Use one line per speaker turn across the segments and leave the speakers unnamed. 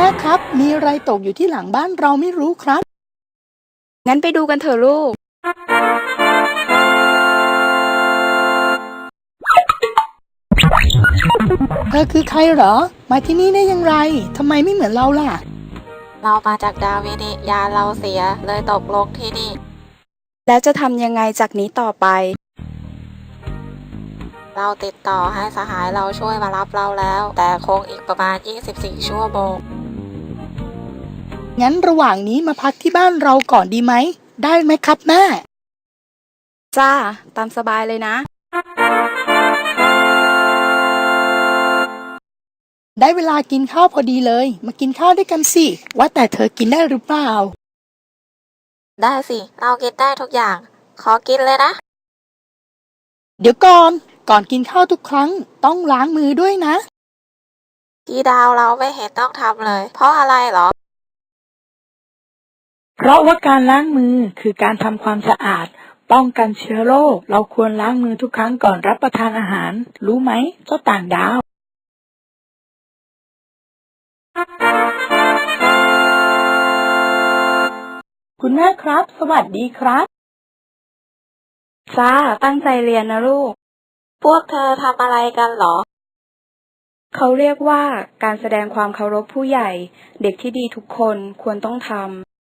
ครับ มีอะไรตกอยู่ที่หลังบ้านเราไม่รู้ครับ
งั้นไปดูกันเถอะลูก
เธอคือใครเหรอ มาที่นี่ได้อย่างไรทำไมไม่เหมือนเราล่ะ
เรามาจากดาวนิยานเราเสียเลยตกลงที่นี่
แล้วจะทำยังไงจากนี้ต่อไป
เราติดต่อให้สหายเราช่วยมารับเราแล้ว แต่คงอีกประมาณ24 ชั่วโมง
งั้นระหว่างนี้มาพักที่บ้านเราก่อนดีไหม ได้ไหมครับแม่
จ้า ตามสบายเลยนะ
ได้เวลากินข้าวพอดีเลย มากินข้าวด้วยกันสิ ว่าแต่เธอกินได้หรือเปล่า
ได้สิ เรากินได้ทุกอย่าง ขอกินเลยนะ
เดี๋ยวก่อนกินข้าวทุกครั้งต้องล้างมือด้วยนะ
ที่ดาวเราไม่เห็นต้องทำเลย เพราะอะไรเหรอ
เพราะว่าการล้างมือคือการทำความสะอาด ป้องกันเชื้อโรค เราควรล้างมือทุกครั้งก่อนรับประทานอาหาร รู้ไหมเจ้าต่างดาว คุณแม่ครับ สวัสดีครับ
จ้า ตั้งใจเรียนนะลูก
พวกเธอทำอะไรกันเหรอ
เขาเรียกว่าการแสดงความเคารพผู้ใหญ่ เด็กที่ดีทุกคนควรต้องทำ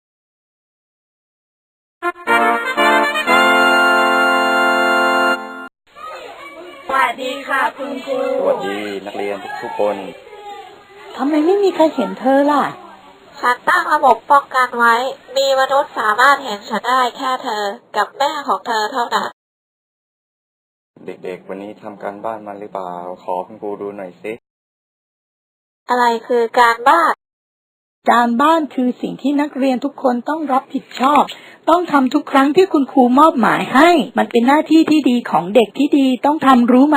สวัสดีค่ะคุณครู
สวัสดีนักเรียนทุกคน
ทำไมไม่มีใครเห็นเธอล่ะ
ฉันตั้งระบบป้องกันไว้ มีมนุษย์สามารถเห็นฉันได้แค่เธอ กับแม่ของเธอเท่านั้น
เด็กๆวันนี้ทำการบ้านมาหรือเปล่า ขอคุณครูดูหน่อยสิ
อะไรคือการบ้าน
การบ้านคือสิ่งที่นักเรียนทุกคนต้องรับผิดชอบ ต้องทำทุกครั้งที่คุณครูมอบหมายให้ มันเป็นหน้าที่ที่ดีของเด็กที่ดีต้องทำรู้ไหม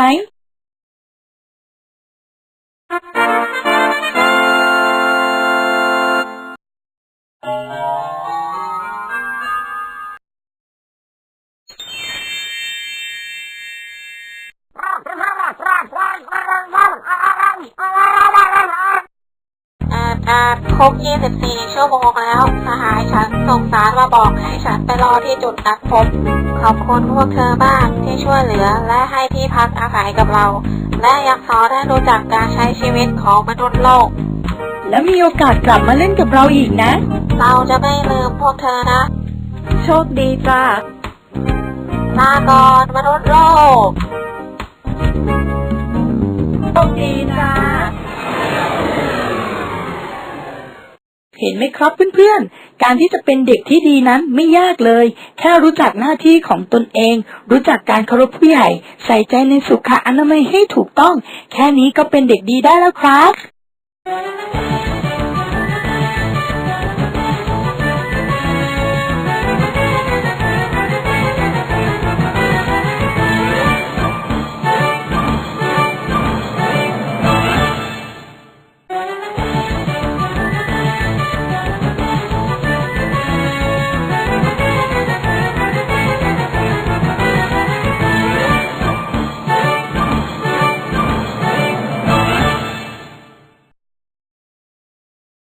ครบ24 ชั่วโมงแล้ว สหายฉันส่งสารมาบอกให้ฉันไปรอที่จุดนัดพบ ขอบคุณพวกเธอมากที่ช่วยเหลือและให้ที่พักอาศัยกับเรา และยังสอนให้รู้จักการใช้ชีวิตของมนุษย์โลก
แล้วมีโอกาสกลับมาเล่นกับเราอีกนะ
เราจะไม่ลืมพวกเธอนะ
โชคดีจ้า
ลาก่อนมนุษย์โลก
โชคดีจ้า เห็นไหมครับเพื่อนๆ การที่จะเป็นเด็กที่ดีนั้นไม่ยากเลย แค่รู้จักหน้าที่ของตนเอง รู้จักการเคารพผู้ใหญ่ ใส่ใจในสุขอนามัยให้ถูกต้อง แค่นี้ก็เป็นเด็กดีได้แล้วครับ